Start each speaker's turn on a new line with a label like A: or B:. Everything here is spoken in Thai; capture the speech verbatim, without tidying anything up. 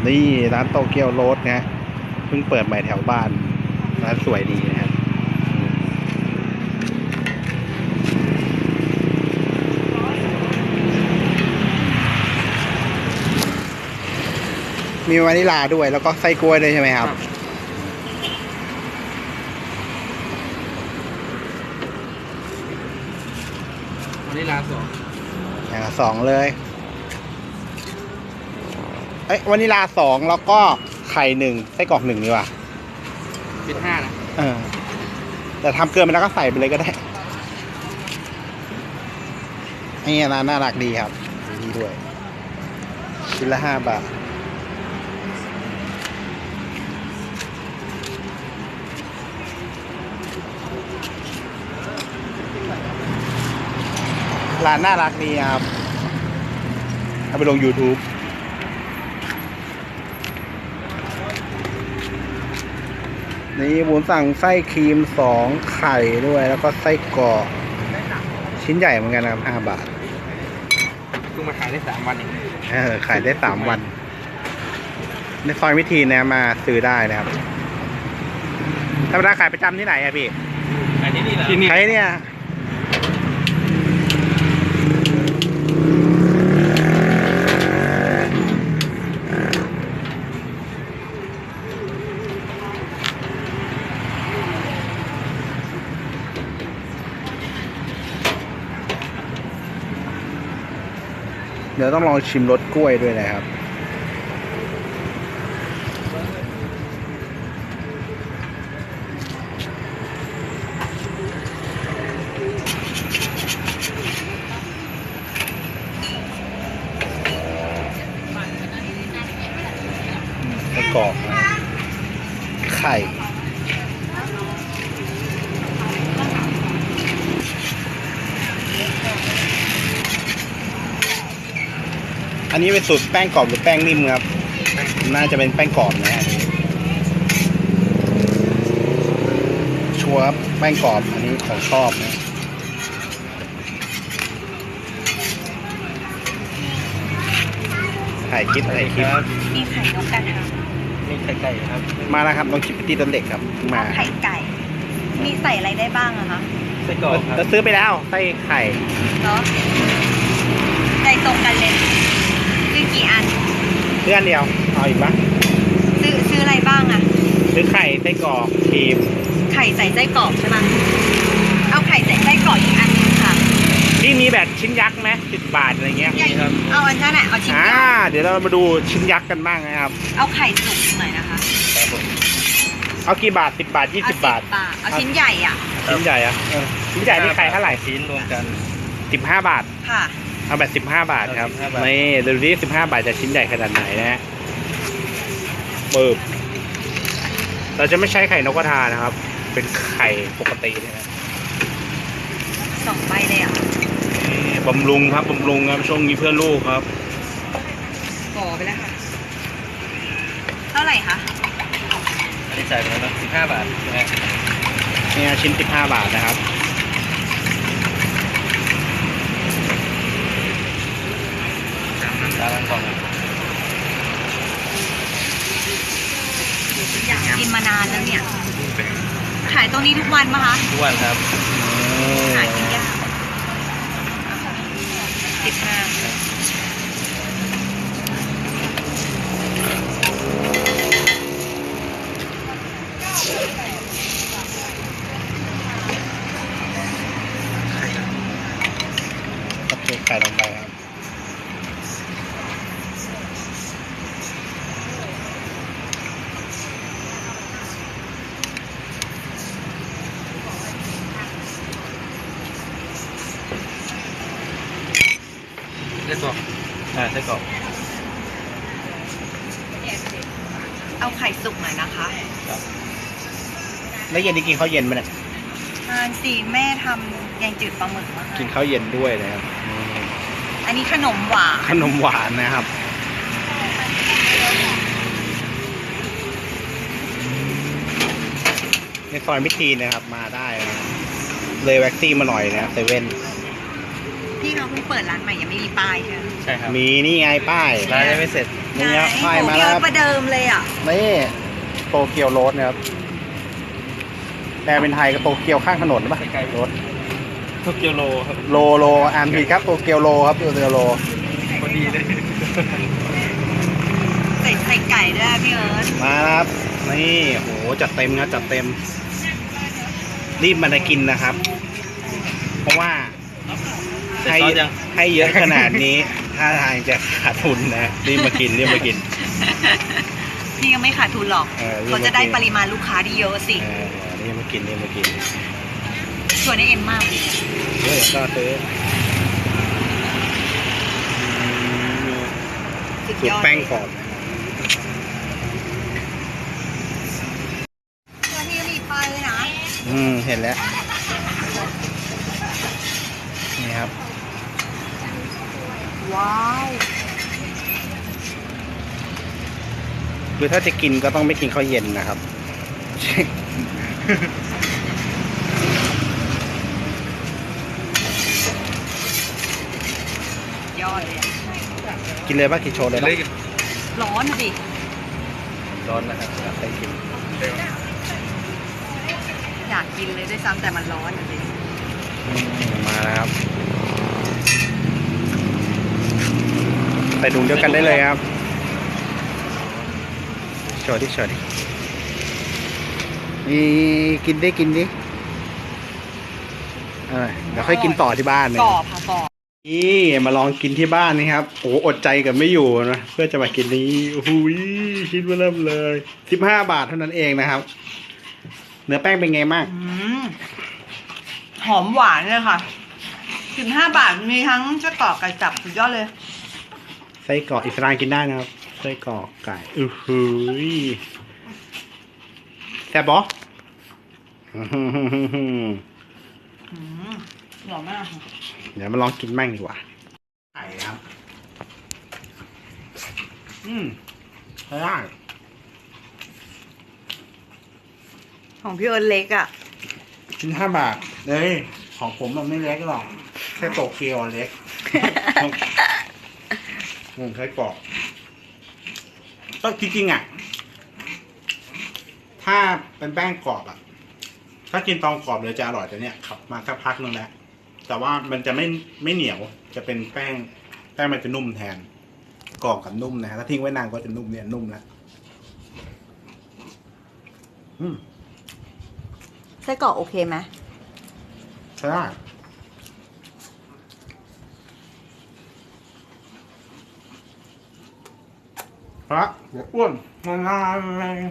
A: นี่ร้านโตเกียวโรสนะเพิ่งเปิดใหม่แถวบ้านร้านสวยดีนะครับมีวานิลาด้วยแล้วก็ไส้กล้วยด้วยใช่ไหมครับ
B: วานิลาสอง
A: อย่างละสองเลยเอ้ยวานิลาสองแล้วก็ไข่หนึ่งไส้กรอกหนึ่งดีกว่า
B: เป็นห้านะ
A: เออแต่ทำเกินไปแล้วก็ใส่ไปเลยก็ได้นี่ร้านน่ารักดีครับดีด้วยชิ้นละห้าบาทร้านน่ารักดีครับเอาไปลง YouTube นี่บุญสั่งไส้ครีมสองไข่ด้วยแล้วก็ไส้กรอกชิ้นใหญ่เหมือนกันนะครับห้าบาท
B: เพิ่งมาขายได้สามวันเอง
A: เออขายได้สามวันในซอยวิธีนะมาซื้อได้นะครับธรรมดาขายประจำที่ไหนอะพี่
B: ขายที่นี่เหรอ
A: ขายเนี่ยเดี๋ยวต้องลองชิมรสกล้วยด้วยนะครับประกอบไข่อันนี้เป็นสูตรแป้งกรอบหรือแป้งนิ่มครับน่าจะเป็นแป้งกรอบนะฮะชัวร์ครับแป้งกรอบอันนี้ของชอบนะถ่ายคลิปถ่ายคลิป
C: มีไข่นกกระทา
B: มีไข่ไก่ครับ
A: มาแล้วครับน้องชิปปี้ต้นเด็กครับมา
C: ไข่ไก่มีใส่อะไรได้บ้างอะคะ
B: ไส้กรอกครับ
A: เราซื้อไปแล้วไส้ไข่
C: เนาะใจตรงกันเลยซื้อกี่อัน
A: เพื่อนเดียวเอาอีกปะ
C: ซื้อซื้ออะไรบ้างอะ
A: ซื้อไข่ไส้กรอกครีม
C: ไข่ใส่ไส้กรอกใช่ไหมเอาไข่ใส่ไส้กรอกอีกอันนึงค่ะ
A: ที่มีแบบชิ้นยักษ์ไหมสิบบาทอะไรเงี้ย
C: ครับเอาอันนั้นแหละเอาชิ้นยักษ์
A: เดี๋ยวเรามาดูชิ้นยักษ์กันบ้างนะครับ
C: เอาไข่สุกหน่อยนะคะ
A: เอากี่บาทสิบบาทยี่สิบบาท
C: เอาชิ้นใหญ่อ่ะ
A: ชิ้นใหญ่อะชิ้นใหญ่นี่ไข่เท่าไหร่
B: ชิ้นรวมกัน
A: สิบห้าบาท
C: ค่ะ
A: เอาแบบสิบห้าบาทครับนี่ดูดิสิบห้าบาทจะชิ้นใหญ่ขนาดไหนนะฮะปึ๊บเราจะไม่ใช้ไข่นกกระทานะครับเป็นไข่ปกตินะ
C: สองใบเลยอ่ะ
A: บำรุงครับบำรุงครับช่วงนี้เพื่อลูกครับ
C: ก่อไปแล้วค่ะเท่าไหร่คะ
B: อันนี้จ่ายไปแล้วนะสิบห้าบาท
A: นี่ชิ้นสิบห้าบาทนะครับ
B: ร้านก่อน
C: อยากกินมานานแล้วเนี่ยขายตรงนี้ทุกวันปะคะ
B: ทุกวันครับ
C: หากินยากสิบห้า
A: โอเคไข่ลงไปครับ
B: ไส้กรอกอ่าไส้กรอก
C: เอาไข่สุกหน่อยนะคะ
A: แล้วเย็นนี้กินข้าวเย็นไหมเนี่ย
C: ทานสีแม่ทำแกงจืดปลาหมึกมา
A: กินข้าวเย็นด้วยนะครับ
C: อันนี้ขนมหวาน
A: ขนมหวานนะครับในซอยมิตรีนะครับมาได้เลยแว็กซี่มาหน่อยนะเซเว่น
C: พี่เขาเพิ่งเปิดร้านใหม่ยังไม่มีป้ายใช่ไหม
B: ใช่ครับ
A: มีนี่ไงป้าย
B: ร้านยังไม่เสร็จ
A: นี่ครับ
C: ไหน
A: ป้ายมา
C: โอ้
A: แล้ว
C: เย
A: ครั
C: อะ
A: บ
C: ประเดิมเลยอ่ะ
A: นี่โตเกียวโรสนะครับแปลเป็นไทยก็โตเกียวข้างถนนป่ะ
B: ใกล้ๆ
A: รถ
B: โตเกียวโลครับ
A: โลโลอ่านผิดครับโตเกียวโลครับโตเกียวโล
B: พอดีเลย
C: ใส่ไข่ไก่ด้วยอะพี่เอิร์ธ
A: มาครับนี่โหจัดเต็มนะจัดเต็ม รีบมาได้กินนะครับ เพราะว่า
B: เสร็จ
A: ให้
B: ซอสยัง
A: ให้เยอะขนาดนี้ ถ้าทางจะขาดทุนนะรีบมากินรีบมากิน
C: พี่ยังไม่ขาดทุนหรอก
A: เออรีบมากิน
C: เขาจะได้ปริมาณลูกค้าที่เยอะสิ
A: เออรีบมากินรีบมากิน
C: ชวนให้เอ็มมากเลย
A: เดี๋ยวก็ซื้อ
C: สุด
A: สู
C: ย
A: ต
C: อ
A: ร
C: ด
A: แป้งกรอบ
C: ตัวที่มีป้ายเลยนะ
A: อืมเห็นแล้วนี่ครับ
C: ว้าว
A: คือถ้าจะกินก็ต้องไม่กินข้าวเย็นนะครับ
C: ยอดเลยอะ
A: กินเลยป่ะกินโชว์เลยป่ะ
C: ร้อนอะดิ
B: ร้อนนะครับ
A: ไปกิน
C: อยากกินเลยด้วยซ้ำแต่มันร้อนอะดิ
A: อืมมาแล้วครับใส่ถุงเดียวกันได้เลยครับโชว์ดิโชว์ดินี่กินดิกินดิเออเดี๋ยวค่อยกินต่อที่บ้านเลย
C: กรอบค่ะกรอบ
A: นี่มาลองกินที่บ้านนี่ครับโอ้อดใจกับไม่อยู่นะเพื่อจะมากินนี้โอ้โหคิดว่าเริ่มเลยสิบห้าบาทเท่านั้นเองนะครับ เนื้อแป้งเป็นไงมาก
C: อืมหอมหวานเลยค่ะสิบห้าบาทมีทั้งเจ้ากรอกไก่สับสุดยอดเลย
A: ไส้กรอกอิสลามกินได้นะครับไส้กรอกไก่อือหือแซ่บปะอื้อหือหือหือหือ
C: อืมหล่อมากค่ะ
A: เดี๋ยวมาลองกินแม่งดีกว่าไก่ครับ อืมใช้ได้
C: ของพี่เอิร์ธเล็กอ่ะ
A: ชิ้นห้าบาทเลยของผมมันไม่เล็กหรอกแค่โตเกียวเล็ก งงไส้กรอกก็จริงๆอ่ะ ถ้าเป็นแป้งกรอบอ่ะ ถ้ากินตอนกรอบเลยจะอร่อยแต่เนี้ยขับมาสักพักนึงแล้วแต่ว่ามันจะไม่ไม่เหนียว จะเป็นแป้งแป้งมันจะนุ่มแทนกรอบกับนุ่มนะฮะถ้าทิ้งไว้นานก็จะนุ่มเนี่ยนุ่มแล้วอืม
C: ไส้กรอกโอเคไหม
A: ใช่ได้พระเดี๋ยวอ้วนงาน